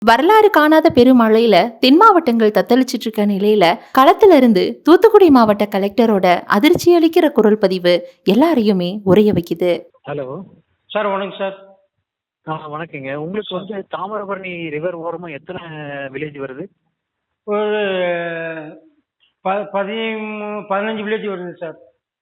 வரலாறு காணாத பெருமழையில தென் மாவட்டங்கள் தத்தளிச்சிட்டு இருக்க நிலையில களத்துல இருந்து தூத்துக்குடி மாவட்ட கலெக்டரோட அதிர்ச்சி அளிக்கிற குரல் பதிவு எல்லாரையுமே உறைய வைக்குது. ஹலோ. சார் வணக்கம் சார். வணக்கங்க. உங்களுக்கு வந்து தாமிரபரணி ரிவர் ஓரமா எத்தனை வில்லேஜ் வருது? ஒரு 15 வில்லேஜ் வருது சார்.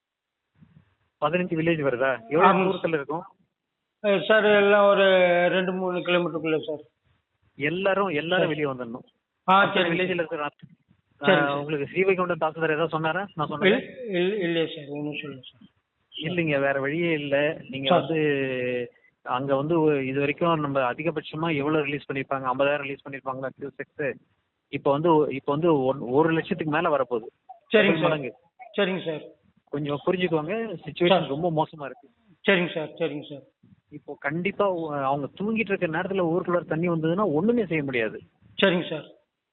15 வில்லேஜ் வருதா? எவ்வளவு ஆமாம். தூரத்துல இருக்கும்? சார் எல்லாம் ஒரு 2-3 கிலோமீட்டருக்குள்ள சார். எல்லாரும் சரி. வெளியே வந்துடணும். சரி வில்லேஜ்ல இருக்கிற சரி. உங்களுக்கு ஸ்ரீவைகுண்டம் தாசில்தார் ஏதாவது சொன்னாரா? நான் இல்ல சொன்னேன். இல்லையே சார், ஒன்றும் சொல்லுங்க சார். இல்லைங்க, வேற வழியே இல்ல. நீங்க சார். வந்து அங்க வந்து இது வரைக்கும் நம்ம அதிகபட்சமா எவ்வளவு ரிலீஸ் பண்ணிருப்பாங்க? 50,000 ரிலீஸ் பண்ணிருப்பாங்களா கியூசெக்ஸ்? இப்போ வந்து 1,00,000க்கு மேல வரப்போகுது. சரிங்க டபுள் சார். மடங்கு. சரிங்க சார். கொஞ்சம் புரிஞ்சுக்கோங்க, சுச்சுவேஷன் ரொம்ப மோசமா இருக்கு. சரிங்க சார். சரிங்க சார். இப்போ கண்டிப்பா அவங்க தூங்கிட்டு இருக்க நேரத்துல ஊருக்குள்ள தண்ணி வந்ததுன்னா ஒண்ணுமே செய்ய முடியாது. சரிங்க சார்.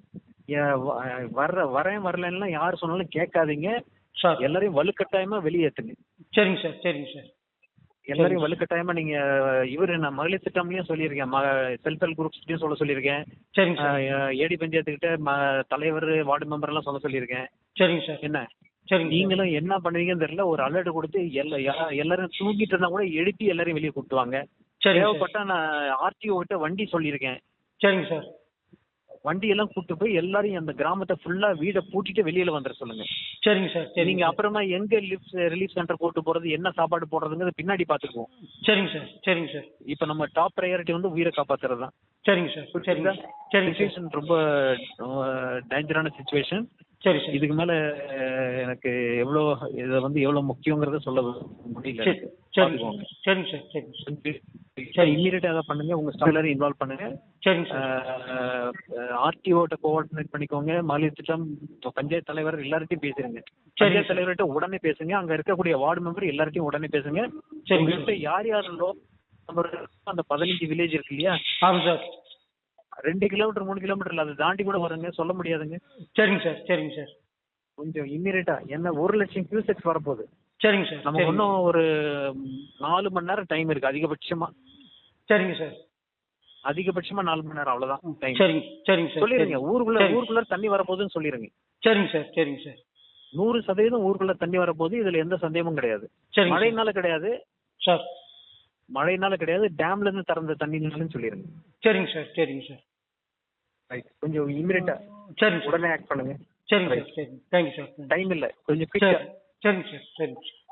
வரலன்னா யார் சொன்னாலும் கேட்காதீங்க. சார். எல்லாரையும் வலுக்கட்டாயமா வெளியேத்துங்க. சரிங்க சார். சரிங்க சார். எல்லாரையும் வலுக்கட்டாயமா நீங்க நான் மகளிர் திட்டம்லயும் சொல்லியிருக்கேன், செல்ஃப் ஹெல்ப் குரூப்ஸ்லயும் சொல்ல சொல்லியிருக்கேன். சரிங்க சார். ஏடி பஞ்சாயத்துக்கிட்ட தலைவர் வார்டு மெம்பர் எல்லாம் சொல்ல சொல்லியிருக்கேன். சரிங்க சார். என்ன சரிங்க சார். நீங்களும் என்ன பண்ணுவீங்கன்னு தெரியல, ஒரு அலர்ட் கொடுத்து எல்லாரும் தூங்கிட்டு இருந்தா கூட எழுப்பி எல்லாரையும் வெளியே கூட்டுவாங்க. சரிங்க சார். தேவைப்பட்டா நான் ஆர்டிஓ கிட்ட வண்டி சொல்லியிருக்கேன். சரிங்க சார். வண்டி எல்லாம் கூட்டு போய் எல்லாரையும் அந்த கிராமத்தை ஃபுல்லா வீட பூட்டிட்டு வெளியில வந்துட சொல்லுங்க. சரிங்க சார். சரிங்க நீங்க சார். அப்புறமா எங்க ரிலீஃப் சென்டர் கூட்டு போறது, என்ன சாப்பாடு போடுறதுங்கிறது பின்னாடி பாத்துக்குவோம். சரிங்க சார். சரிங்க சார். இப்ப நம்ம டாப் ப்ரையாரிட்டி வந்து உயிரை காப்பாத்துறது தான். சரிங்க சார். சரிங்க சார். சரிங்க சார். சுச்சுவேஷன் ரொம்ப டேஞ்சரான சுச்சுவேஷன். சரி சார். இதுக்கு மேல எனக்கு எவ்வளவு முக்கியங்கிறத சொல்ல முடியல. சரி. சரிங்க சார். சரிங்க சார். சரிங்க சார். இம்மீடியட்டா அதை பண்ணுங்க, உங்க ஸ்டாஃப் எல்லாரும் இன்வால்வ் பண்ணுங்க. சரிங்க சார். ஆர்டிஓட்ட கோஆர்டினேட் பண்ணிக்கோங்க. மகளிர் திட்டம் பஞ்சாயத்து தலைவர் எல்லார்ட்டையும் பேசுறீங்க. சரி. பஞ்சாயத்து தலைவர்கிட்ட உடனே பேசுங்க. அங்க இருக்கக்கூடிய வார்டு மெம்பர் எல்லார்ட்டையும் உடனே பேசுங்க. சரிங்க உங்கள்கிட்ட சார். யார் யாருந்தோ அந்த 15 வில்லேஜ் இருக்கு இல்லையா, ஆமாம் சார். 2 கிலோமீட்டர் 3 கிலோமீட்டர்ல அதை தாண்டி கூட வருங்க, சொல்ல முடியாதுங்க. சரிங்க சார். சரிங்க சார். கொஞ்சம் இம்மீடியட்டா, என்ன 1,00,000 கியூசெக்ஸ் வரப்போகுது. சரிங்க சார். நமக்கு இன்னும் ஒரு 4 மணி நேரம் டைம் இருக்கு அதிகபட்சமா. சரிங்க சார். அதிகபட்சமா 4 மணி நேரம், அவ்வளவுதான் டைம். சரிங்க. சரிங்க சார். சொல்லிருங்க, ஊருக்குள்ள தண்ணி வரப்போகுதுன்னு சொல்லிருங்க. சரிங்க சார். சரிங்க சார். 100% ஊருக்குள்ள தண்ணி வரப்போகுது, இதுல எந்த சந்தேகமும் கிடையாது. சரிங்க சார். மழைனால கிடையாது, சார். டேம்ல இருந்து திறந்த தண்ணினாலும் சொல்லிருங்க. சரிங்க சார். சரிங்க சார். கொஞ்சம் இமிடியட்டா சரிங்க சார். உடனே ஆக்ட் பண்ணுங்க. சரிங்க சார். சரிங்க. Thank you sir. டைம் இல்ல, கொஞ்சம் குயிக்கா. சரிங்க சார். சரிங்க சார்.